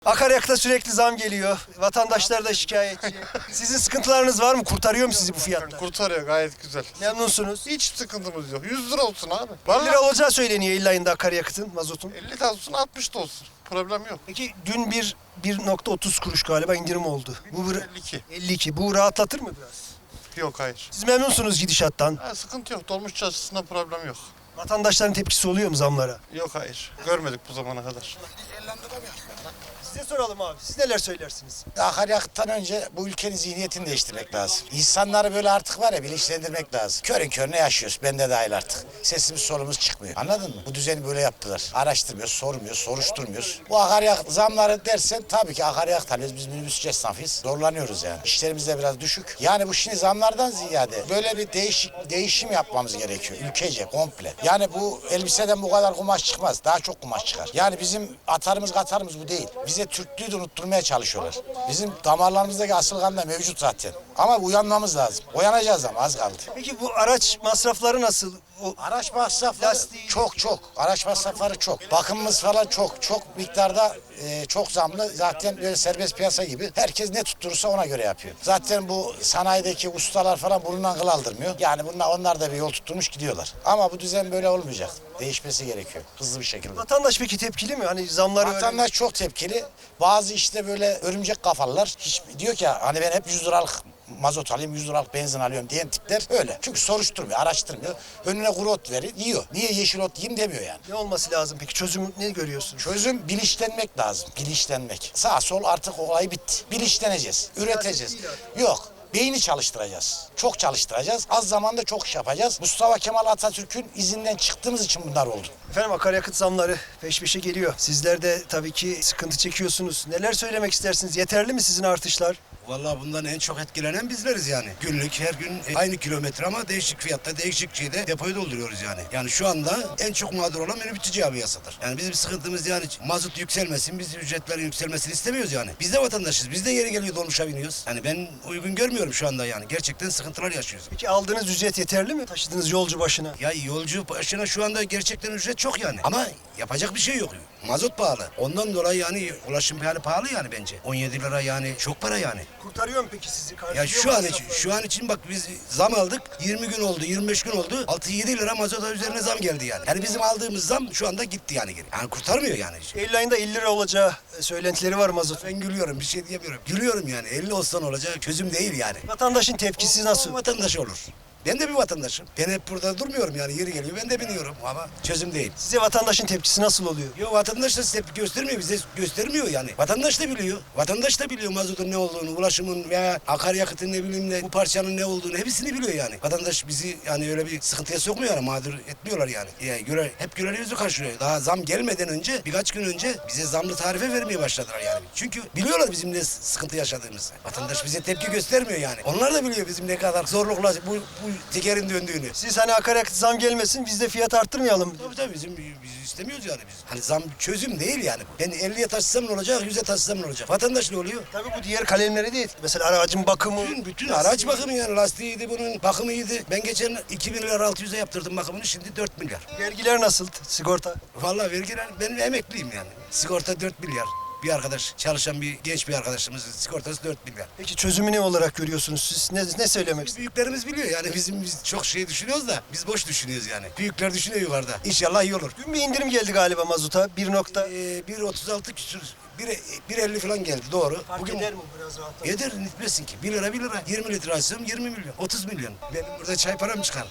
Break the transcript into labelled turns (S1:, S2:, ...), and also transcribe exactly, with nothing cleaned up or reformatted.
S1: Akaryakıta sürekli zam geliyor. Vatandaşlar da şikayetçi. Sizin sıkıntılarınız var mı? Kurtarıyor mu sizi bu fiyatlar?
S2: Kurtarıyor gayet güzel.
S1: Memnunsunuz.
S2: Hiç sıkıntımız yok. yüz lira olsun abi.
S1: elli
S2: Vallahi
S1: lira olacağı söyleniyor illa ayında akaryakıtın, mazotun.
S2: elli de olsun altmış da olsun. Problem yok.
S1: Peki dün bir bir nokta otuz kuruş galiba indirim oldu. Bu bir
S2: elli iki.
S1: elli iki. Bu rahatlatır mı biraz?
S2: Yok hayır.
S1: Siz memnunsunuz gidişattan.
S2: Ha, sıkıntı yok. Dolmuş açısından problem yok.
S1: Vatandaşların tepkisi oluyor mu zamlara?
S2: Yok hayır. Görmedik bu zamana kadar.
S1: Size soralım abi. Siz neler söylersiniz?
S3: Akaryakıttan önce bu ülkenin zihniyetini değiştirmek lazım. İnsanları böyle artık var ya bilinçlendirmek lazım. Körün körüne yaşıyoruz. Ben de dahil artık. Sesimiz solumuz çıkmıyor. Anladın mı? Bu düzeni böyle yaptılar. Araştırmıyoruz, sormuyoruz, soruşturmuyoruz. Bu akaryakıt zamları dersen tabii ki akaryakıt alıyoruz. Biz minibüsçü esnafıyız. Zorlanıyoruz yani. İşlerimiz de biraz düşük. Yani bu şimdi zamlardan ziyade böyle bir değişik değişim yapmamız gerekiyor. Ülkece, komple. Yani bu elbiseden bu kadar kumaş çıkmaz. Daha çok kumaş çıkar. Yani bizim atarımız katarımız bu değil. Bize Türklüğü de unutturmaya çalışıyorlar. Bizim damarlarımızdaki asıl kan da mevcut zaten. Ama uyanmamız lazım. Uyanacağız ama az kaldı.
S1: Peki bu araç masrafları nasıl? O
S3: Araç masrafları
S1: Lastiği-
S3: çok çok. Araç masrafları çok. Bakımımız falan çok. Çok miktarda e, çok zamlı. Zaten böyle serbest piyasa gibi. Herkes ne tutturursa ona göre yapıyor. Zaten bu sanayideki ustalar falan burnundan kıl aldırmıyor. Yani bunlar, onlar da bir yol tutturmuş gidiyorlar. Ama bu düzen böyle olmayacak. Değişmesi gerekiyor. Hızlı bir şekilde.
S1: vatandaş peki tepkili mi? Hani zamları öyle-
S3: Vatandaş çok tepkili. Bazı işte böyle örümcek kafalılar hiç diyor ki hani ben hep yüz liralık mazot alayım, yüz liralık benzin alıyorum diyen tipler öyle. Çünkü soruşturmuyor, araştırmıyor. Önüne kuru ot verir, yiyor. Niye yeşil ot yiyeyim demiyor yani.
S1: Ne olması lazım peki? Çözüm ne görüyorsunuz?
S3: Çözüm bilinçlenmek lazım. Bilinçlenmek. Sağ sol artık olay bitti. Bilinçleneceğiz, üreteceğiz.
S1: değil
S3: Yok. Beyni çalıştıracağız. Çok çalıştıracağız. Az zamanda çok iş yapacağız. Mustafa Kemal Atatürk'ün izinden çıktığımız için bunlar oldu.
S1: Efendim akaryakıt zamları peş peşe geliyor. Sizler de tabii ki sıkıntı çekiyorsunuz. Neler söylemek istersiniz? Yeterli mi sizin artışlar?
S4: Vallahi bundan en çok etkilenen bizleriz yani. Günlük her gün aynı kilometre ama değişik fiyatta değişik şeyde depoyu dolduruyoruz yani. Yani şu anda en çok mağdur olan minibüsçü camiasıdır. Yani bizim sıkıntımız yani mazot yükselmesin, biz ücretlerin yükselmesini istemiyoruz yani. Biz de vatandaşız, biz de yeri geliyor dolmuşa biniyoruz. Yani ben uygun görmüyorum şu anda yani. Gerçekten sıkıntılar yaşıyoruz.
S1: Peki aldığınız ücret yeterli mi? Taşıdığınız yolcu başına.
S4: Ya yolcu başına şu anda gerçekten ücret çok yani. Ama yapacak bir şey yok. Mazot pahalı. Ondan dolayı yani ulaşım yani pahalı yani bence. on yedi lira yani çok para yani.
S1: Kurtarıyor mu peki sizi?
S4: Ya
S1: Karşılıyor
S4: şu
S1: mu
S4: an için,
S1: masrafları?
S4: şu an için bak biz zam aldık. yirmi gün oldu, yirmi beş gün oldu. altı yedi lira mazota üzerine zam geldi yani. Yani bizim aldığımız zam şu anda gitti yani geri. Yani kurtarmıyor yani.
S1: Eylül ayında elli lira olacağı e, söylentileri var mazot.
S4: Ben gülüyorum, bir şey diyemiyorum. Gülüyorum yani. elli olsan olacak çözüm değil yani.
S1: Vatandaşın tepkisi nasıl?
S4: O vatandaş olur. Ben de bir vatandaşım. Ben hep burada durmuyorum yani. Yeri geliyor ben de biniyorum ama çözüm değil.
S1: Size vatandaşın tepkisi nasıl oluyor?
S4: Yo vatandaş da tepki göstermiyor, bize göstermiyor yani. Vatandaş da biliyor. Vatandaş da biliyor mazotun ne olduğunu, ulaşımın veya akaryakıtın ne bileyim ne, bu parçanın ne olduğunu hepsini biliyor yani. Vatandaş bizi yani öyle bir sıkıntıya sokmuyor yani, mağdur etmiyorlar yani. yani göre, hep görev yüzü karşılıyor. Daha zam gelmeden önce, birkaç gün önce bize zamlı tarife vermeye başladılar yani. Çünkü biliyorlar bizim ne sıkıntı yaşadığımızı. Vatandaş bize tepki göstermiyor yani. Onlar da biliyor bizim ne kadar zorlukla bu, bu tekerin döndüğünü.
S1: Siz hani akaryakıt zam gelmesin biz de fiyat arttırmayalım.
S4: Tabii tabii bizim biz istemiyoruz yani biz. Hani zam çözüm değil yani. Ben elliye taşısam ne olacak, yüze taşısam ne olacak? Vatandaş ne oluyor?
S1: Tabii bu diğer kalemlere değil. Mesela aracın bakımı.
S4: Bütün, bütün araç bakımı yani lastiğiydi bunun, bakımıydı. Ben geçen iki bin lira altı yüze yaptırdım bakımını, şimdi dört milyar.
S1: Vergiler nasıl? Sigorta.
S4: Vallahi vergiler, ben emekliyim yani. Sigorta dört milyar. Bir arkadaş, çalışan bir genç bir arkadaşımızın sigortası dört milyar.
S1: Peki çözümü ne olarak görüyorsunuz siz? Ne, ne söylemek istiyorsunuz?
S4: Büyüklerimiz biliyor yani bizim biz çok şey düşünüyoruz da biz boş düşünüyoruz yani. Büyükler düşünüyor yukarıda. İnşallah iyi olur.
S1: Dün bir indirim geldi galiba mazota. Bir nokta.
S4: Ee, bir otuz altı küsür, bir bir elli falan geldi doğru.
S1: Fark eder mi biraz rahatlamak?
S4: Eder, nitmesin ki. Bir lira bir lira. yirmi litre alsam yirmi milyon. otuz milyon. Benim burada çay param çıkar.